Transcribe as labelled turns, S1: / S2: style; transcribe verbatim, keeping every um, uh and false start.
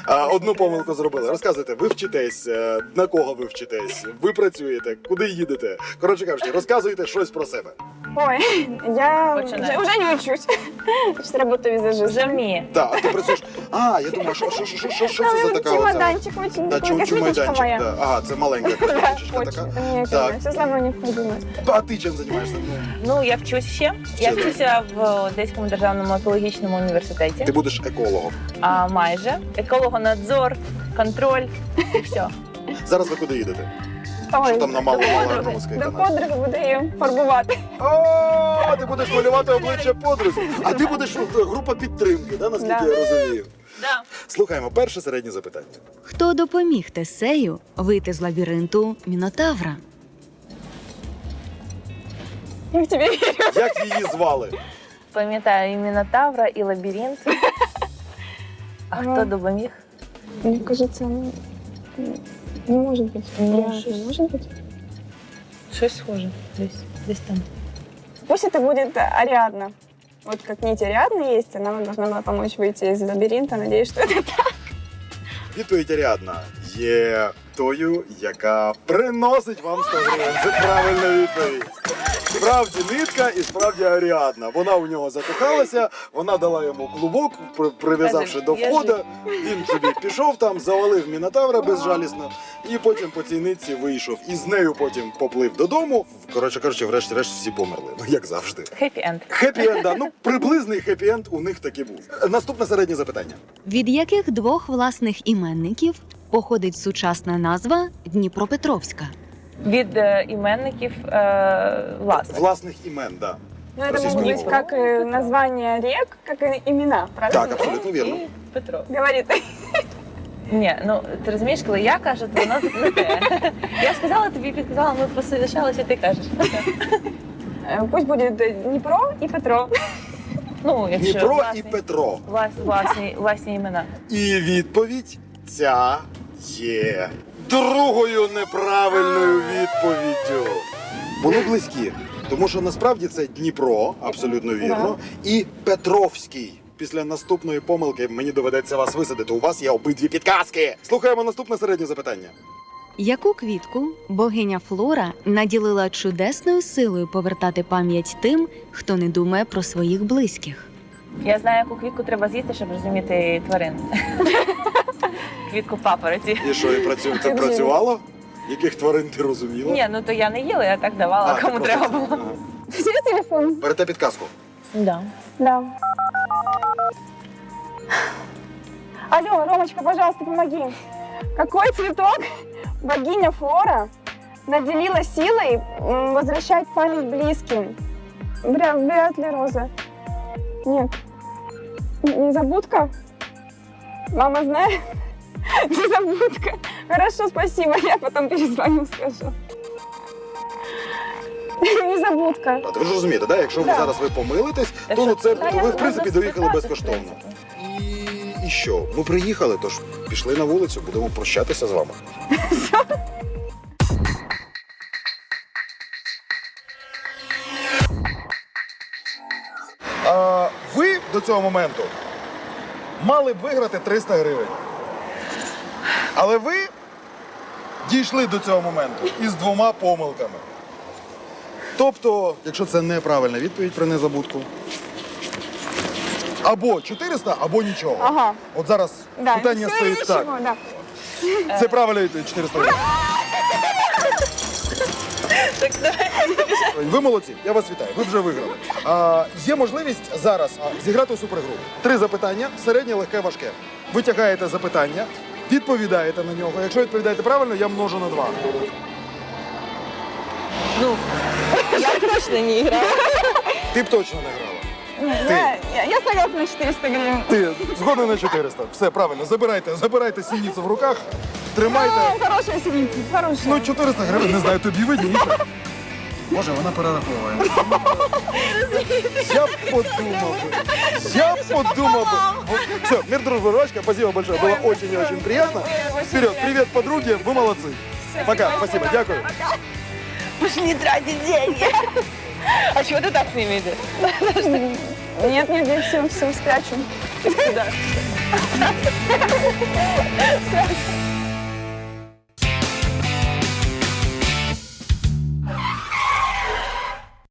S1: А, одну помилку зробили. Розказуйте, ви вчитесь, е, на кого ви вчитесь, ви працюєте, куди їдете. Коротше кажучи, розказуйте щось про себе.
S2: Ой, я
S3: Починай.
S2: уже, уже не учусь. Сейчас работаю
S3: Вже
S2: визажистом.
S3: вміє.
S1: Так, а ти працюєш. А, я думаю, що, що, що, що, що це за така оця?
S2: Чемоданчик очень
S1: Да,
S2: такой,
S1: чу-
S2: косметичка
S1: чумайданчик.
S2: моя.
S1: Да. Ага, це маленька
S2: Да,
S1: косметичка
S2: очень.
S1: така.
S2: Это мне
S1: Так.
S2: все сама необходимо.
S1: А ти чим займаєшся?
S3: Ну, я вчусь ще. Я
S1: Ще,
S3: вчуся в Одеському державному екологічному університеті.
S1: Ти будеш екологом.
S3: А майже. Екологонадзор, контроль і все.
S1: Зараз ви куди їдете?
S2: Ой,
S1: Що там на малому
S2: до
S1: малому
S2: подруги,
S1: каналі?
S2: до подруги буду її фарбувати.
S1: О, ти будеш малювати обличчя подрузі. А ти будеш е, група підтримки, да, наскільки
S2: Да.
S1: я розумію.
S3: Да.
S1: Слухаємо, перше середнє запитання.
S4: Хто допоміг Тесею вийти з лабіринту Мінотавра?
S2: Я в тебе вірю.
S1: Як її звали?
S3: Пам'ятаю і Мінотавра, і лабіринт. А
S2: Ага.
S3: хто допоміг?
S2: Мне кажется, ну, не может быть.
S3: Ну,
S2: Реально,
S3: щось.
S2: не может быть.
S3: Щось схоже. Десь, десь там.
S2: Пусть это будет Ариадна. Вот как нить Ариадны есть, она вам должна была помочь выйти из лабиринта. Надеюсь, что это так.
S1: Відповідь Аріадна є тою, яка приносить вам сто гривень. Це правильна відповідь. Справді нитка і справді Аріадна. Вона у нього закохалася, вона дала йому клубок, при- прив'язавши
S3: Каже,
S1: до
S3: «Я
S1: входа. Він собі пішов там, завалив Мінотавра безжалісно і потім по цій нитці вийшов. І з нею потім поплив додому. Коротше кажучи, врешті-решт всі померли. Ну, як завжди.
S3: Хеппі енд.
S1: Хеппі-енд, да. Ну, приблизний хеппі-енд у них таки був. Наступне середнє запитання.
S4: Від яких двох власних іменників походить сучасна назва Дніпропетровська?
S3: Від е, іменників е, власних.
S1: Власних імен, да.
S2: Ну, это
S1: Российскую
S2: могут быть
S1: мову.
S2: как и названия рек, как и имена, правильно?
S1: Так, абсолютно вірно.
S3: І Петро.
S2: Говорит.
S3: Ні, ну ти розумієш, коли я кажу, то воно не те. Я сказала тобі, підказала, ми посовіщалися, ти кажеш.
S2: Э, Пусть будет Днепро и Петро.
S3: Ну, якщо
S1: Дніпро і
S3: власні,
S1: Петро.
S3: влас- власні, власні імена.
S1: І відповідь ця є другою неправильною відповіддю. Вони близькі, тому що насправді це Дніпро, абсолютно вірно, і Петровський. Після наступної помилки мені доведеться вас висадити. У вас є обидві підказки. Слухаємо наступне середнє запитання.
S4: Яку квітку богиня Флора наділила чудесною силою повертати пам'ять тим, хто не думає про своїх близьких?
S3: Я знаю, яку квітку треба з'їсти, щоб розуміти тварин. Квітку папороті.
S1: І що, і працю... це працювало? Яких тварин ти розуміла?
S3: Ні, ну то я не їла, я так давала,
S1: ти
S3: кому
S1: просто
S3: треба
S1: це-
S3: було.
S1: Ага.
S2: Где телефон?
S1: Берете підказку.
S3: Да.
S2: Да. Алло, Ромочка, пожалуйста, помоги. Какой цветок богиня Флора наделила силой м, возвращать память близким? Вряд, вряд ли роза. Нет. Н- Незабудка? Мама знает? Незабудка. Хорошо, спасибо. Я потом перезвоню, скажу. Незабудка.
S1: А ви ж розумієте, да? Якщо ви
S2: Да.
S1: зараз ви помилитесь,
S3: Та
S1: то ну,
S3: що
S1: це
S3: це?
S1: ви в принципі
S3: Можна
S1: доїхали
S3: спитати,
S1: безкоштовно.
S3: в принципі.
S1: І, і що? Ми приїхали, тож пішли на вулицю, будемо прощатися з вами. А, ви до цього моменту мали б виграти триста гривень. Але ви дійшли до цього моменту із двома помилками. Тобто, якщо це неправильна відповідь про незабудку, або чотириста, або нічого.
S2: Ага.
S1: От зараз
S2: Да,
S1: питання
S2: всё
S1: стоїть
S2: или
S1: так.
S2: ничего, да.
S1: Це правильна відповідь чотириста гривень.
S3: Так, давай.
S1: Ви молодці, я вас вітаю, ви вже виграли. А, є можливість зараз а, зіграти у супергру. Три запитання, середнє, легке, важке. Ви тягаєте запитання, відповідаєте на нього. Якщо відповідаєте правильно, я множу на два.
S3: Ну, я точно не грала.
S1: Ти б точно не грала.
S2: Я, я, я согласна на четыреста гривен.
S1: Ти згоден на чотириста. Все, правильно, забирайте, забирайте сініцю в руках, тримайте.
S2: Ну, хорошая синица, хорошая.
S1: Ну, чотириста гривень, не знаю, тобі видніше. Боже, вона перераховує. Я б подумав би. Я б подумав бы. Все, мир, дружба, ручка. Спасибо большое. Было очень и очень приятно. Вперед, привет, подруги. Вы молодцы. Пока, спасибо, дякую.
S3: Пошли тратить деньги. А чего ты так с ними идешь?
S2: Нет, нет, я все, все спрячу. Сюда.